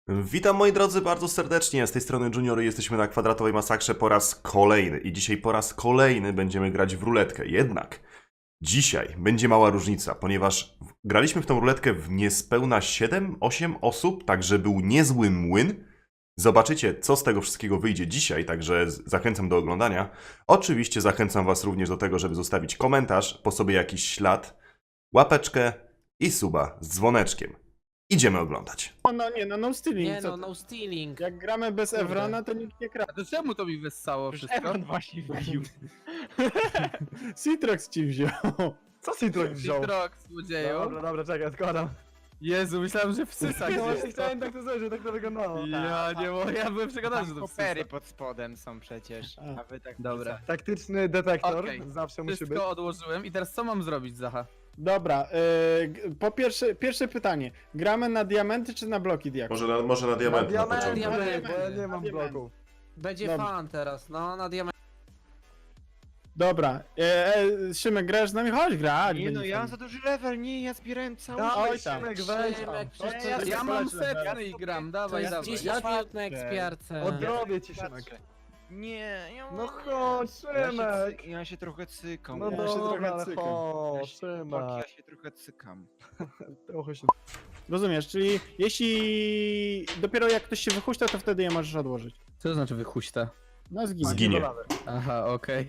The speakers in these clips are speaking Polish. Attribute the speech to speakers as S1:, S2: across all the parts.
S1: Witam moi drodzy bardzo serdecznie, z tej strony Junior, jesteśmy na Kwadratowej Masakrze po raz kolejny i dzisiaj po raz kolejny będziemy grać w ruletkę. Jednak dzisiaj będzie mała różnica, ponieważ graliśmy w tą ruletkę w niespełna 7-8 osób, także był niezły młyn. Zobaczycie, co z tego wszystkiego wyjdzie dzisiaj, także zachęcam do oglądania. Oczywiście zachęcam was również do tego, żeby zostawić komentarz, po sobie jakiś ślad, łapeczkę i suba z dzwoneczkiem. Idziemy oglądać.
S2: No stealing.
S3: Nie
S2: co
S3: no,
S2: ty?
S3: no stealing.
S2: Jak gramy bez
S3: Kurde.
S2: Evrona, to nikt nie gra.
S4: A to czemu to mi wessało wszystko?
S5: Evan właśnie wbił.
S2: Citrox ci wziął.
S5: Co Citrox wziął?
S4: Citrox, złodzieju.
S5: Dobra, czekaj, odkładam.
S4: Jezu, myślałem, że wsysa
S5: No właśnie
S4: gdzieś.
S5: chciałem tak to zrobić, że tak to wyglądało.
S4: Ja nie mogę, ja byłem przekonany, że to wsysa.
S5: Kopery pod spodem są przecież, a wy tak
S4: Dobra.
S5: Taktyczny detektor,
S4: Okej.
S5: zawsze musi być.
S4: Wszystko odłożyłem i teraz co mam zrobić, Zacha?
S2: Dobra, po pierwsze pytanie. Gramy na diamenty czy na bloki diaków?
S1: Może na diament na początku.
S3: diament.
S5: bo ja nie mam
S2: Diament.
S5: bloków.
S3: Będzie
S2: Dobrze.
S3: fan teraz, no na diament.
S2: Dobra, Szymek, grasz z nami? Chodź grać.
S6: Nie no,
S2: będzie
S6: ja mam
S2: fajnie.
S6: za duży level, nie, ja zbierałem cały
S5: Dawaj,
S2: Oj tam.
S5: Szymek, weź tam.
S3: Szymek, przecież to
S4: Ja
S3: jest,
S4: mam
S2: zobaczę,
S4: setny i gram,
S3: to
S4: dawaj,
S3: jest
S4: dawaj.
S3: 10 minut na ekspiarce.
S5: Odrobię ci, Szymek.
S6: Nie, ja
S5: No chodź, Szymek.
S6: Ja się trochę cykam.
S5: No
S2: Ja się trochę
S5: dobra, ale
S2: cykam.
S5: chodź,
S6: ja
S5: Szymek.
S6: się trochę cykam.
S5: Trochę się...
S2: Rozumiesz, czyli jeśli dopiero jak ktoś się wychuśta, to wtedy je możesz odłożyć.
S4: Co to znaczy wychuśta?
S2: No zginie.
S1: Zginie.
S4: Aha, okej.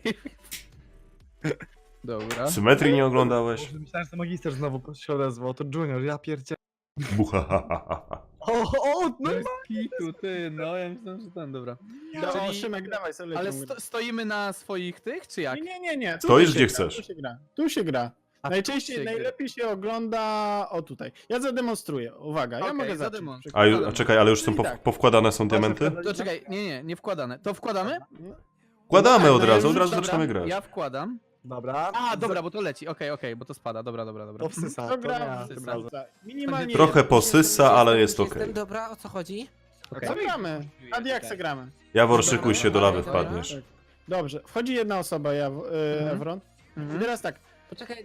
S4: Dobra.
S1: Symetrii nie oglądałeś?
S5: Myślałem, że to magister znowu się odezwał, to Junior, ja pierdzie...
S1: Buhahaha.
S5: No
S4: Bez kitu, ty, no ja myślałem, że ten, dobra.
S2: No,
S4: Czyli-
S2: Szymek, dawaj sobie
S4: Ale
S2: lecimy.
S4: stoimy na swoich tych, czy jak?
S2: Nie. Tu
S1: Stoisz,
S2: się
S1: gdzie
S2: gra,
S1: chcesz.
S2: Tu się gra. Tu się gra.
S4: A
S2: Najczęściej,
S4: tu się gra.
S2: najlepiej się ogląda o tutaj. Ja zademonstruję. Uwaga, ja
S4: Okej,
S2: mogę zacząć.
S4: zademonstruj.
S1: A czekaj, ale już są
S2: Tak.
S1: powkładane są diamenty?
S4: To czekaj, nie wkładane. To wkładamy?
S1: Wkładamy
S2: No
S1: od
S2: tak,
S1: razu,
S2: no
S1: od razu
S2: dobra,
S1: zaczynamy grać.
S4: Ja wkładam.
S5: Dobra.
S4: A, dobra, bo to leci. Okej, bo to spada. Dobra.
S5: To wsysa,
S2: To
S5: to
S2: gra
S5: ja.
S2: w
S4: tym
S2: razem. Minimalnie
S1: Trochę
S2: jeden.
S1: posysa, ale jest
S3: Jestem,
S1: okej.
S3: dobra, o co chodzi?
S2: Co gramy? A jak se gramy?
S1: Jawor, szykuj się, do lawy
S3: Dobra.
S1: wpadniesz.
S2: Dobrze, wchodzi jedna osoba, Evron. I
S4: Mhm.
S2: teraz tak,
S3: Poczekaj,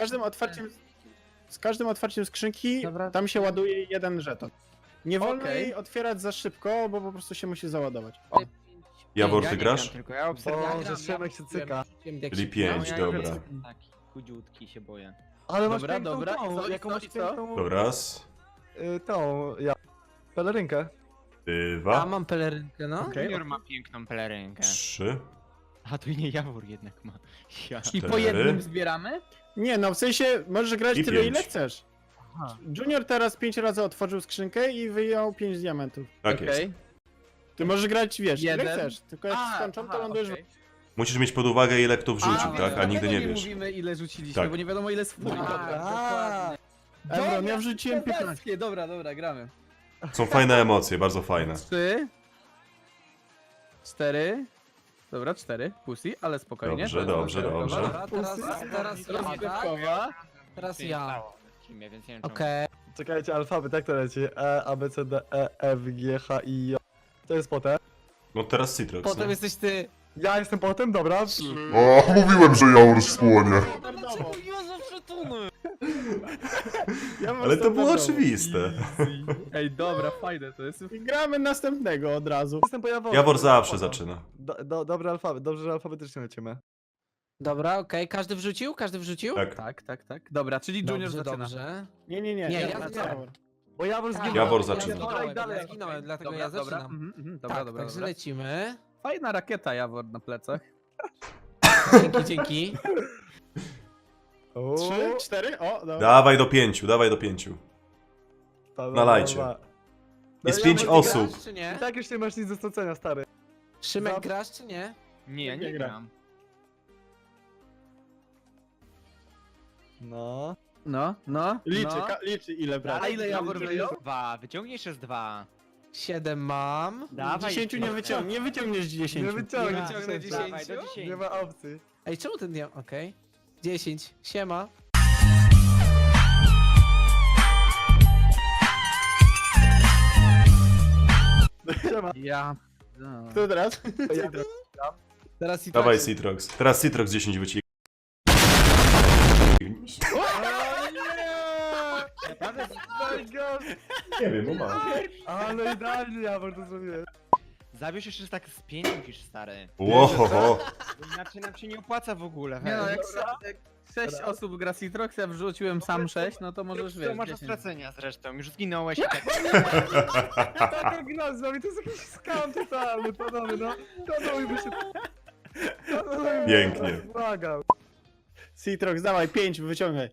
S2: z każdym otwarciem skrzynki
S3: Dobra.
S2: tam się ładuje jeden żeton. Nie wolno
S4: Okej.
S2: jej otwierać za szybko, bo po prostu się musi załadować.
S1: Jawor,
S6: Ja
S1: ty
S6: nie
S1: grasz?
S6: gram, tylko ja obserwuję.
S5: Bo że Szymek się cyka.
S1: Czyli 5,
S6: Ja
S1: dobra.
S6: Taki chudziutki się boję.
S5: Ale masz
S4: Dobra,
S5: piękną
S4: dobra,
S5: tą,
S4: i co,
S5: jaką
S4: i
S5: masz
S4: co?
S5: piękną...
S1: Dobra, raz,
S5: Tą, pelerynkę.
S3: Ja
S1: dwa,
S3: mam pelerynkę, no.
S5: Okej.
S6: Junior ma piękną pelerynkę.
S1: 3.
S6: A tu nie Jawór jednak ma. Ja.
S4: I po
S1: 4.
S4: jednym zbieramy?
S2: Nie, no w sensie możesz grać
S1: I
S2: tyle
S1: 5.
S2: ile chcesz. Junior teraz 5 razy otworzył skrzynkę i wyjął 5 diamentów.
S1: Tak jest.
S4: Okej.
S2: Ty możesz grać, wiesz, ile
S4: Jeden.
S2: chcesz, tylko jak skończą, to lądujesz
S4: okej.
S1: Musisz mieć pod uwagę, ile kto wrzucił,
S4: A,
S1: tak? A nigdy nie
S4: dlatego
S1: wiesz.
S4: mówimy, ile rzuciliśmy,
S1: Tak.
S4: bo nie wiadomo, ile spójni.
S3: Tak,
S5: A,
S3: dokładnie.
S2: Evron, ja wrzuciłem 15.
S4: Kozackie, dobra, gramy.
S1: Są fajne emocje, bardzo fajne.
S4: 3, 4, dobra, 4, pussy, ale spokojnie.
S1: Dobrze, dobrze.
S3: Dobra, teraz ja, tak?
S4: Rozgrywkowa.
S3: Teraz ja.
S6: Więc nie wiem, czemu.
S3: Okej.
S5: czekajcie, alfabet, jak to leci? E, A, B, C, D, E, F, G, H, I, J. To jest potem.
S1: No teraz Citrox,
S3: Potem
S1: no.
S3: jesteś ty.
S5: Ja jestem potem, dobra.
S7: O, mówiłem, że Jawor spłonie.
S3: Dlaczego ja zawsze tunę?
S2: Ja mam
S1: Ale to było
S2: standardowo.
S1: oczywiste.
S4: Ej, dobra, fajne to jest.
S2: I gramy następnego od razu.
S5: Jestem po Jaworze.
S1: Jawor zawsze zaczyna.
S5: Dobry alfabet, dobrze, że alfabetycznie lecimy.
S3: Dobra, okej. Każdy wrzucił? Każdy wrzucił?
S1: Tak.
S4: Tak. Dobra, czyli Junior
S3: Dobrze,
S4: zaczyna.
S3: dobrze.
S2: Nie,
S3: Nie, ja
S2: wracam.
S3: zaczynam.
S5: Bo Jawor
S3: Tak,
S5: zginął.
S1: Jawor
S3: ja
S1: zaczyna.
S3: zginąłem,
S5: Dalej,
S3: ja zginąłem, dlatego
S4: Dobra,
S3: ja
S4: dobra,
S3: zaczynam.
S4: dobra,
S3: Tak,
S4: dobra.
S3: także lecimy.
S4: Fajna rakieta, Jawor, na plecach.
S3: Dzięki.
S2: 3, 4, o, dobra.
S1: Dawaj do 5, dawaj do 5. nalajcie. Jest 5
S3: Ty
S1: osób.
S3: grasz, czy
S5: I
S3: nie?
S5: tak już nie masz nic do stracenia, stary.
S3: Szymek, grasz, czy nie?
S6: Nie, ja nie
S2: Nie gra.
S6: gram.
S5: No.
S4: No.
S2: Liczy ile brać.
S4: A ile Jawor wyjął?
S6: 2, wyciągniesz jeszcze z 2.
S3: 7 mam.
S6: Dawaj.
S2: 10 nie wyciągniesz 10.
S5: Nie wyciągnę.
S3: wyciągnę 10.
S6: Dawaj, do 10.
S5: Nie ma opcji.
S3: Ej, czemu ten nie... Okej. 10. Siema.
S5: Siema.
S4: Ja. No.
S2: Kto teraz?
S3: Teraz i
S1: Dawaj Citrox. Teraz Citrox 10 wyciągnie.
S5: Oh my god.
S1: Nie wiem, no ma.
S5: Ale idealnie Jawor to zrobiłem.
S6: Zabierz jeszcze tak z 5 musisz, stary.
S1: Łohoho.
S6: Inaczej nam się nie opłaca w ogóle.
S4: Nie no,
S6: hej.
S4: jak 6 osób gra Citrox, ja wrzuciłem sam 6, no to możesz
S6: Co
S4: wiesz.
S6: masz do
S4: 10.
S6: stracenia zresztą, już zginąłeś i tak.
S5: Taka gra z wami, to jest jakiś skam totalny, panowie, no. Panowie by się...
S1: Pięknie.
S5: Błagam.
S2: Citrox, dawaj, 5, wyciągaj.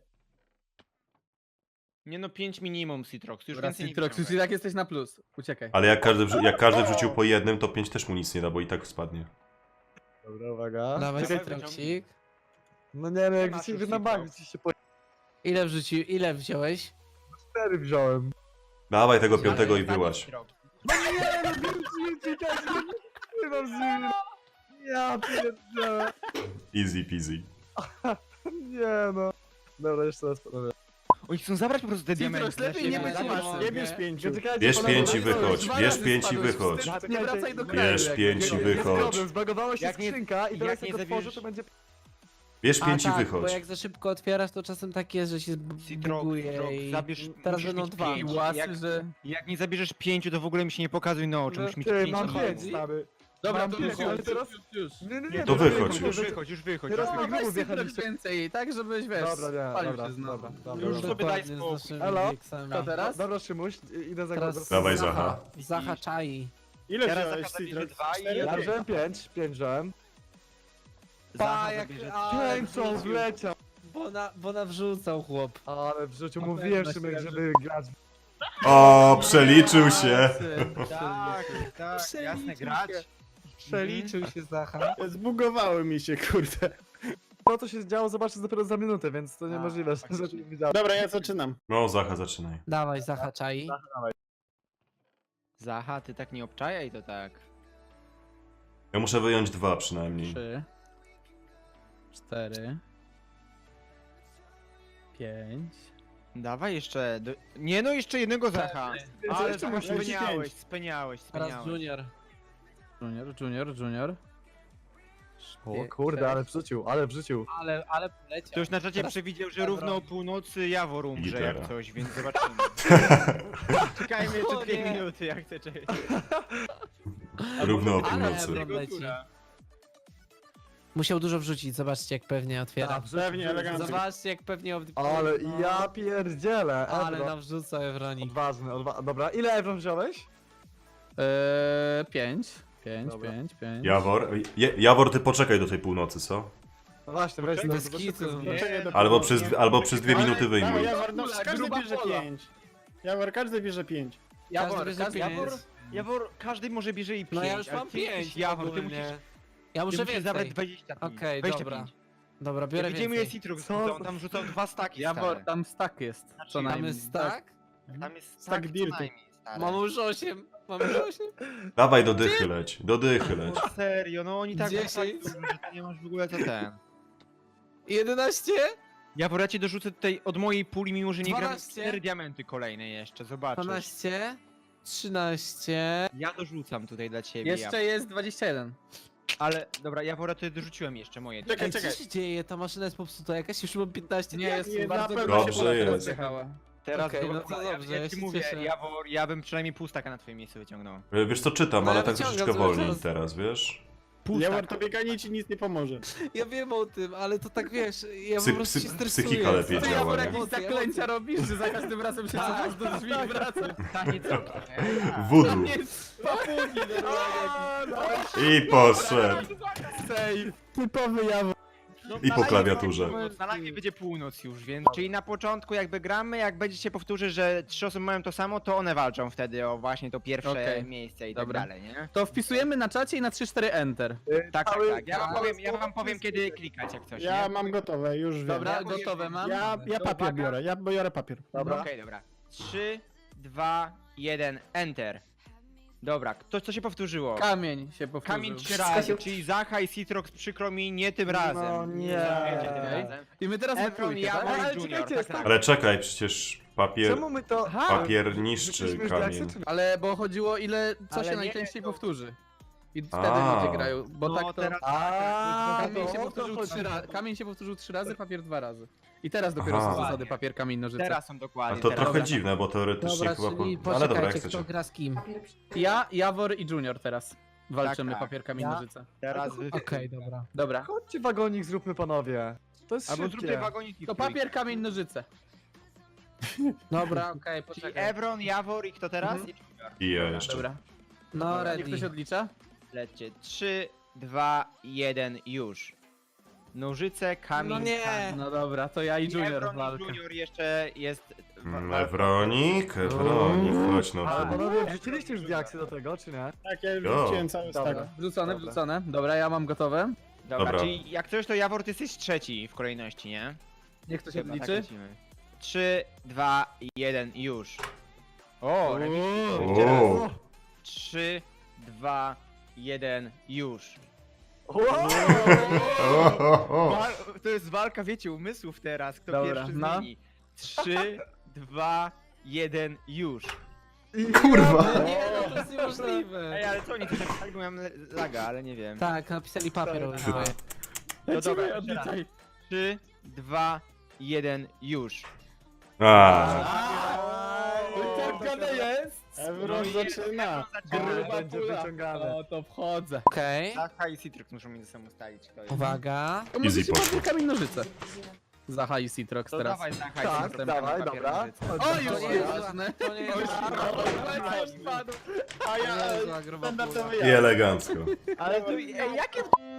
S6: Nie no, 5 minimum Citrox, już
S4: Dobra,
S6: więcej nie
S4: Citrox, już i
S6: wyciągaj.
S4: tak jesteś na plus. Uciekaj.
S1: Ale jak każdy wrzucił po jednym, to 5 też mu nic nie da, bo i tak spadnie.
S5: Dobra, uwaga.
S3: Dawaj
S6: Czekaj,
S3: Citroxik.
S5: No nie no, jak
S6: masz
S5: się
S6: już
S5: wy na bank,
S6: Citrox.
S5: się po
S3: Ile wziąłeś?
S5: 4 wziąłem.
S1: Dawaj tego piątego i wyłaź.
S5: No nie, no wróciłem ci tak, nie mam z nim. Ja pierdolę.
S1: Easy peasy.
S5: Nie no. Dobra, jeszcze raz panowie.
S6: Oni chcą zabrać po prostu te
S4: Citrox,
S6: diamenty. dla
S4: lepiej
S6: siebie.
S4: nie być
S6: Zabierz-
S4: masy.
S2: Nie bierz 5.
S5: Czekajcie,
S1: Bierz
S5: panowie,
S1: 5 i
S5: no,
S1: wychodź,
S5: dwa
S1: bierz
S5: razy
S1: 5 i
S5: spadłeś.
S1: wychodź.
S4: Nie wracaj do kraju.
S1: Bierz
S4: jak
S1: 5 i
S4: nie-
S5: Jest
S1: wychodź.
S5: problem, zbagowała się
S6: Jak nie-
S5: skrzynka i teraz
S6: jak
S5: jak
S6: nie
S5: otworzę,
S6: zabierzesz-
S5: to będzie...
S1: Bierz
S3: A
S1: 5 i
S3: tak, bo
S1: wychodź.
S3: jak za szybko otwierasz, to czasem tak jest, że się
S6: Citrox,
S3: buguje
S6: Citrox,
S3: i
S6: zabierz,
S3: teraz
S6: musisz
S3: będą
S6: mieć
S3: 2.
S6: pięć.
S4: I łasy,
S6: Jak-
S4: że...
S6: Jak nie zabierzesz 5, to w ogóle mi się nie pokazuj na oczy, musisz mieć
S5: Ty,
S6: 5
S5: mam
S6: na
S5: 5, stary.
S4: Dobra,
S5: Mam
S4: to
S5: pięć,
S4: już,
S5: ale teraz...
S4: już.
S5: Nie,
S1: To
S5: no,
S1: wychodź
S5: nie,
S1: już.
S6: Już wychodź.
S5: Teraz
S4: No,
S5: na
S4: weź
S5: grubu
S4: Citrox
S5: wjechaliście.
S4: więcej, tak żebyś, wiesz,
S5: Dobra, nie,
S4: spalił
S5: dobra,
S4: się znowu.
S5: dobra.
S6: Już sobie daj
S3: Dokładnie, z
S6: spokój.
S3: naszymi
S5: Elo?
S3: wiksami.
S4: To teraz?
S5: Dobra, Szymuś, idę za
S3: Teraz
S5: głos.
S1: Dawaj, Zacha.
S3: Zacha czai.
S2: Ile
S6: Teraz
S2: wziąłeś
S6: Zacha zabierze
S2: Citrox?
S6: 2 i...
S2: Cztery?
S5: Ja wziąłem 5 wziąłem.
S6: Zacha
S3: jak-
S6: zabierze
S3: ale
S5: 5 co wleciał.
S3: Bo nawrzucał chłop.
S5: Ale w życiu
S4: Na
S5: mówiłem
S4: pewno
S5: Szymek,
S4: się
S5: żeby grać.
S1: O, przeliczył się.
S6: Tak, jasne, grać.
S3: Przeliczył się Zacha.
S2: Zbugowały mi się, kurde.
S5: To co się działo zobaczysz dopiero za minutę, więc to
S6: A,
S5: niemożliwe, że
S6: faktycznie.
S5: nie widziałem.
S2: Dobra, ja zaczynam.
S1: No, Zacha, zaczynaj.
S3: Dawaj Zacha czai.
S6: Zacha, ty tak nie obczajaj to tak.
S1: Ja muszę wyjąć 2 przynajmniej.
S4: 3, 4, 5.
S6: Dawaj jeszcze, nie no, jeszcze jednego Zacha. Ale
S5: jeszcze
S6: Zacha,
S5: muszę
S2: mieć
S6: speniałeś.
S3: Teraz Junior.
S4: Junior.
S5: O kurde, ale wrzucił.
S3: Ale poleciał.
S6: To już na czacie
S3: Teraz-
S6: przewidział, że równo o północy Jawor umrze
S1: Gitara.
S6: jak coś, więc zobaczymy. Czekajmy jeszcze
S3: O
S6: 2
S3: nie.
S6: minuty, jak chcę czekać.
S1: Równo o
S3: Ale
S1: północy.
S3: Ebron leci. Musiał dużo wrzucić, zobaczcie jak pewnie otwiera.
S2: Pewnie, elegancko.
S3: Zobaczcie jak pewnie
S5: Ale
S3: no.
S5: ja pierdzielę.
S3: Ale
S5: Ebron.
S3: nawrzucał Ewronik.
S5: Odważny, dobra. Ile Ebron wziąłeś?
S4: 5.
S5: Dobra.
S4: 5.
S1: Jawor, Jawor, ty poczekaj do tej północy, co?
S5: No właśnie, weź
S3: Bez
S5: to,
S3: kitu.
S2: Poczekaj do
S1: Albo przez 2 minuty
S2: Dawaj,
S1: wyjmuj.
S2: Jawor, no, każdy
S4: gruba
S2: bierze
S4: pola.
S2: 5. Jawor, każdy bierze 5.
S3: Każdy bierze
S6: Jawor,
S3: 5.
S6: Jawor, każdy może bierze i 5.
S3: No ja już mam 5.
S6: Jawor, ty musisz,
S3: Ja muszę
S6: zabrać
S3: więcej.
S6: 25.
S3: Okej,
S6: 25.
S3: dobra. Dobra,
S6: Ja
S3: biorę
S6: widziałem ile
S3: więcej.
S6: Citrox
S5: Co?
S6: rzucał, tam rzucał 2 staki,
S4: Jawor,
S6: stary.
S4: tam stack jest. Co
S6: Tam
S3: Tam
S4: najmniej.
S3: jest tak?
S6: Tam jest
S2: Stack
S6: stack co
S2: dirtu.
S6: najmniej, stary.
S3: Mam już 8. Mam już 8.
S1: Dawaj do dychy leć, do dychy leć.
S6: No serio, no oni tak
S3: 10.
S6: że ty nie masz w ogóle co ten.
S3: 11?
S6: Jawor, ja ci dorzucę tutaj od mojej puli, mimo że nie gram
S3: 12.
S6: 4 diamenty kolejne jeszcze, zobaczysz.
S3: 12? 13?
S6: Ja dorzucam tutaj dla ciebie,
S4: Jeszcze jest 21.
S6: Ale, dobra, Jawora, to dorzuciłem jeszcze moje.
S2: Czekaj,
S3: Ej, co
S2: czekaj.
S3: się dzieje? Ta maszyna jest popsuta jakaś? Już mam 15.
S4: Nie, jest
S2: nie,
S4: bardzo
S2: na pewno
S1: się Dobrze
S4: teraz
S1: jest.
S4: jechała.
S6: Teraz
S3: Okej,
S6: dobra,
S3: no to
S6: ja,
S3: dobrze,
S6: ja
S3: ja
S6: ci
S3: się
S6: mówię,
S3: cieszę.
S6: Jawor, ja bym przynajmniej pół staka na twoim miejscu wyciągnął.
S1: Wiesz co, czytam,
S3: No
S1: ale
S3: ja
S1: tak
S3: wyciągam,
S1: troszeczkę
S3: zobacz,
S1: wolniej
S3: teraz-
S1: teraz, wiesz?
S6: Pół
S2: Jawor,
S6: staka.
S2: to bieganie ci nic nie pomoże.
S3: Ja wiem o tym, ale to tak wiesz, ja
S1: Psy-
S3: po prostu się
S1: psy-
S3: stresuję.
S1: psychika lepiej
S4: Ty
S1: działa,
S4: Jawor
S1: nie?
S4: jakieś
S3: Emocje,
S4: zaklęcia robisz, że za każdym razem się cofasz do drzwi i wracasz.
S6: Taniec
S1: Voodoo.
S4: Papugi
S1: I poszedł.
S5: Save.
S2: Typowy Jawor.
S6: No,
S1: I po klawiaturze.
S6: Na live będzie północ już, więc... Czyli na początku jakby gramy, jak będzie się powtórzy, że 3 osoby mają to samo, to one walczą wtedy o właśnie to pierwsze
S4: Okej.
S6: miejsce i
S4: Dobra.
S6: tak dalej, nie?
S4: To wpisujemy na czacie i na 3-4 enter.
S6: Tak,
S5: Cały-
S6: tak. Ja wam
S5: cały
S6: powiem
S5: sposób
S6: kiedy
S5: jest-
S6: klikać jak coś,
S2: Ja
S6: nie?
S2: mam gotowe, już wiem.
S4: Dobra,
S6: Ja
S4: gotowe mam.
S2: Ja
S6: To
S2: papier
S6: uwaga.
S2: biorę, ja biorę papier.
S5: Dobra.
S6: Okej, dobra. 3, 2, 1, enter. Dobra, co się powtórzyło?
S4: Kamień się powtórzył.
S6: Kamień 3 razy, czyli Zacha i Citrox, przykro mi, nie tym razem.
S5: No nie.
S6: Wiecie, tym
S4: Okej.
S6: razem.
S4: I my teraz we
S6: Ebron,
S4: trójkę,
S6: Jawor
S4: tak?
S5: Ale
S6: i Junior,
S5: czekajcie,
S6: tak
S5: jest
S6: samo.
S1: Ale czekaj, przecież
S5: Czemu my to...
S6: Aha,
S1: papier niszczy
S5: Rzuciliśmy już
S1: kamień.
S5: diaksy, czy-
S4: Ale bo chodziło ile, co
S6: Ale
S4: się
S6: nie,
S4: najczęściej
S6: to-
S4: powtórzy. I wtedy
S1: A.
S4: ludzie grają, bo
S6: No,
S4: tak to...
S6: teraz-
S4: Kamień się,
S5: no,
S4: powtórzył
S5: o to chodzi.
S4: kamień się powtórzył 3 razy, papier 2 razy. I teraz dopiero
S1: Aha.
S4: są zasady papier, kamień, nożyce.
S6: Teraz są
S1: A
S6: dokładnie.
S1: to
S6: teraz.
S1: trochę dziwne, bo teoretycznie
S3: Dobra,
S1: chyba...
S3: czyli
S1: Ale dobra, jak
S3: poczekajcie,
S1: chcecie.
S3: kto gra z kim.
S4: Ja, Jawor i Junior teraz walczymy
S6: Tak, tak.
S4: papier, kamień,
S3: Ja?
S4: nożyce.
S6: Teraz wy...
S3: Okej, dobra.
S4: Dobra.
S5: Chodźcie wagonik zróbmy, panowie. To jest
S6: Albo
S5: szybkie.
S6: zróbmy wagoniki.
S4: To
S6: w trójkę.
S4: papier, kamień, nożyce.
S3: Dobra, okej,
S6: Czyli
S3: poczekaj.
S6: Evron, Jawor i kto teraz?
S4: Mhm.
S6: I Junior.
S1: I ja jeszcze.
S4: Dobra.
S3: No,
S4: Niech
S3: ready.
S4: ktoś odlicza?
S6: Lećcie. 3, 2, 1, już. Nożyce, kamień,
S3: No nie.
S6: kamień.
S4: No dobra, to ja i Junior
S6: Evron
S4: walka.
S6: i Junior jeszcze jest...
S1: Ewronik, chodź no.
S5: Ale panowie, wrzuciliście już diaksy do tego, czy nie?
S2: Tak, ja już
S1: Jo.
S2: wróciłem cały
S5: Dobra.
S2: stack.
S4: Wrzucone,
S5: Dobra.
S4: wrzucone. Dobra, ja mam gotowe.
S6: Dobra,
S1: Dobra.
S6: czyli jak coś to Jawor, ty jesteś trzeci w kolejności, nie?
S4: Niech ktoś
S6: Chyba, tak
S4: odliczy.
S6: lecimy. 3, 2, 1, już.
S4: O,
S1: O,
S6: 3, 2, 1, już. To jest walka, wiecie, umysłów teraz. Kto
S4: Dobra,
S6: pierwszy
S4: no.
S6: zmieni. 3, 2, 1, już.
S1: Kurwa.
S3: Nie, no to jest niemożliwe.
S6: Ej, ale co oni tu napisali, bo miałem laga, ale nie wiem.
S3: Tak, napisali papier.
S1: Tak.
S6: To dobra,
S4: lecimy,
S6: jeszcze raz.
S4: odliczaj.
S6: 3, 2, 1, już.
S4: Wyciągane jest!
S2: Evron zaczyna.
S5: Ale będzie wyciągane.
S4: O, to wchodzę.
S3: Okej,
S6: Zacha i Citrix muszą między sobą ustalić, kto jest.
S3: uwaga.
S4: To może
S1: Easy
S4: się
S1: poszło.
S4: papier, kamień, nożyce. Zacha i Citrox
S6: To
S4: teraz.
S6: dawaj Zacha i
S5: Tak,
S6: Citrix,
S5: dawaj,
S6: papier,
S5: dobra.
S6: nożyce.
S4: O, już
S3: To nie
S4: nie
S3: jest
S4: ważne.
S3: To nie jest
S2: A ja
S3: Jezu, a gruba pula.
S2: standardowy
S1: I
S2: ja.
S1: elegancko.
S6: Ale to, ej, jakie